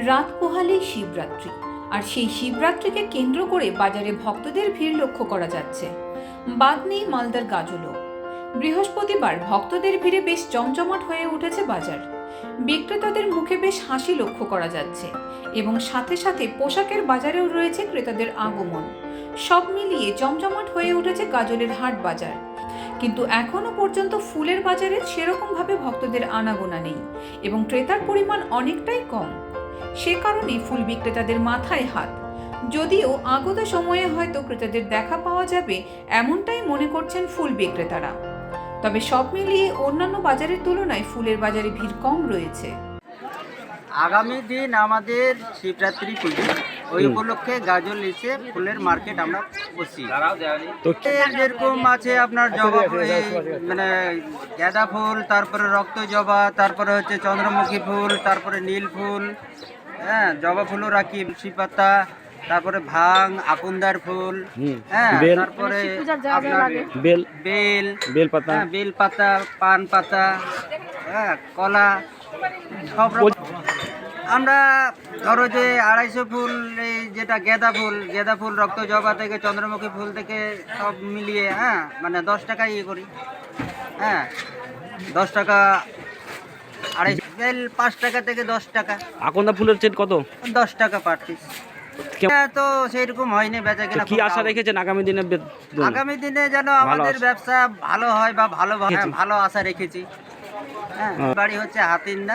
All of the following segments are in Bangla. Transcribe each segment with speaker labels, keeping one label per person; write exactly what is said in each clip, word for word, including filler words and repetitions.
Speaker 1: রাত পোহালেই শিবরাত্রি, আর সেই শিবরাত্রিকে কেন্দ্র করে বাজারে ভক্তদের ভিড় লক্ষ্য করা যাচ্ছে। বাদ নেই মালদার গাজলও। বৃহস্পতিবার ভক্তদের ভিড়ে বেশ জমজমাট হয়ে উঠেছে বাজার। বিক্রেতাদের মুখে বেশ হাসি লক্ষ্য করা যাচ্ছে এবং সাথে সাথে পোশাকের বাজারেও রয়েছে ক্রেতাদের আগমন। সব মিলিয়ে জমজমাট হয়ে উঠেছে গাজলের হাট বাজার। কিন্তু এখনো পর্যন্ত ফুলের বাজারে সেরকমভাবে ভক্তদের আনাগোনা নেই এবং ক্রেতার পরিমাণ অনেকটাই কম। সে কারণে ফুল বিক্রেতাদের মাথায় হাত। যদিও আগত সময়ে হয়তো ক্রেতাদের দেখা পাওয়া যাবে এমনটাই মনে করছেন ফুল বিক্রেতারা, তবে সব মিলিয়ে অন্যান্য বাজারের তুলনায় ফুলের বাজারে ভিড় কম রয়েছে।
Speaker 2: আগামী দিন আমাদের শিবরাত্রি পুজো, ওই উপলক্ষে গাজল এসে ফুলের মার্কেট আমরা বসি। তো যেরকম আছে আপনার জবা মানে গাঁদা ফুল, তারপরে রক্ত জবা, তারপরে হচ্ছে চন্দ্রমুখী ফুল, তারপরে নীল ফুল, হ্যাঁ জবা ফুলও রাখি, তুলসী পাতা, তারপরে ভাং, আকুন্দার ফুল, হ্যাঁ তারপরে আপনার বেল বেল বেল পাতা, বেল পাতা, পান পাতা, হ্যাঁ কলা, সব আমরা ধরো যে আড়াইশো ফুল, এই যেটা গেঁদা ফুল, গেঁদা ফুল, রক্ত জবা থেকে চন্দ্রমুখী ফুল থেকে সব মিলিয়ে হ্যাঁ মানে দশ টাকা ইয়ে করি, হ্যাঁ দশ টাকা। আড়াইশো বেল পাঁচ টাকা থেকে দশ টাকা।
Speaker 3: আকন্দা ফুলের চেট কত?
Speaker 2: দশ টাকা পার পিস। তো সেইরকম হয়নি বেচা কিনা।
Speaker 3: কি আশা রেখেছেন আগামী দিনে?
Speaker 2: আগামী দিনে যেন আমাদের ব্যবসা ভালো হয় বা ভালো ভালো আশা রেখেছি। হ্যাঁ বাড়ি হচ্ছে হাতিন্দা,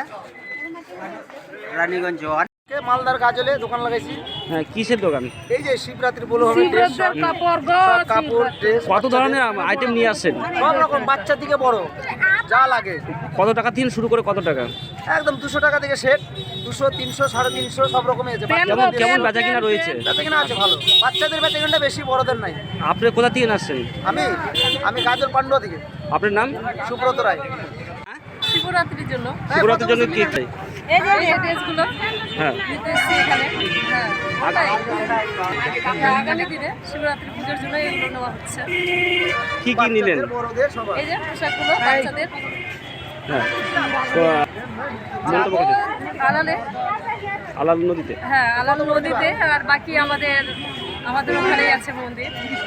Speaker 2: রানীগঞ্জ জোয়ার।
Speaker 4: মালদার গাজলে দোকান লাগাইছি।
Speaker 3: হ্যাঁ কিসের দোকান?
Speaker 4: এই যে শিবরাত্রি বলে হবে, কাপড়, ড্রেস।
Speaker 3: কত ধরনের আইটেম নিয়ে আসছেন?
Speaker 4: সব রকম, বাচ্চা থেকে বড় যা লাগে।
Speaker 3: কত টাকা থেকে শুরু করে কত টাকা?
Speaker 4: একদম দুশো টাকা থেকে সেট, দুশো, তিনশো, সাড়ে তিনশো সব রকমের আছে।
Speaker 3: কেমন কেমন বেচা কিনা রয়েছে?
Speaker 4: বেচা কিনা আছে ভালো, বাচ্চাদের বেচা কিনা বেশি, বড়দের নাই।
Speaker 3: আপনি কোথা থেকে আসছেন?
Speaker 4: আমি আমি গাজল পান্ডুয়া থেকে।
Speaker 3: আপনার নাম?
Speaker 4: সুব্রত রায়।
Speaker 5: শিবরাত্রির জন্য
Speaker 3: শিবরাত্রির জন্য কি চাই?
Speaker 5: এই যে এই ড্রেসগুলো
Speaker 3: হ্যাঁ
Speaker 5: নিতেছি এখানে। হ্যাঁ ওটাই। আগামী দিনে শিবরাত্রি পুজোর জন্য এগুলো নেওয়া হচ্ছে।
Speaker 3: কি কি নিলেন?
Speaker 4: বড়দের সবাই।
Speaker 5: এই যে পোশাকগুলো বাচ্চাদের।
Speaker 3: হ্যাঁ তো
Speaker 5: যাবো আলালে,
Speaker 3: আলাল নদীতে।
Speaker 5: হ্যাঁ আলাল নদীতে, আর বাকি আমাদের আমাদের ওখানেই আছে মন্দির।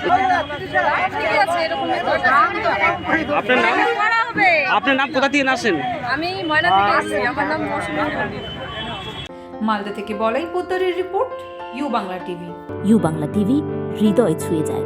Speaker 5: ঠিক আছে, এরকম
Speaker 3: আপনার নাম? আপনার নাম কোথা থেকে আসেন?
Speaker 5: আমি ময়না থেকে আসছি, আমার নাম মৌসুমী মন্দির।
Speaker 1: মালদা থেকে বলাই পোদ্দারের report, U Bangla TV.
Speaker 6: U Bangla TV, হৃদয় ছুঁয়ে যায়।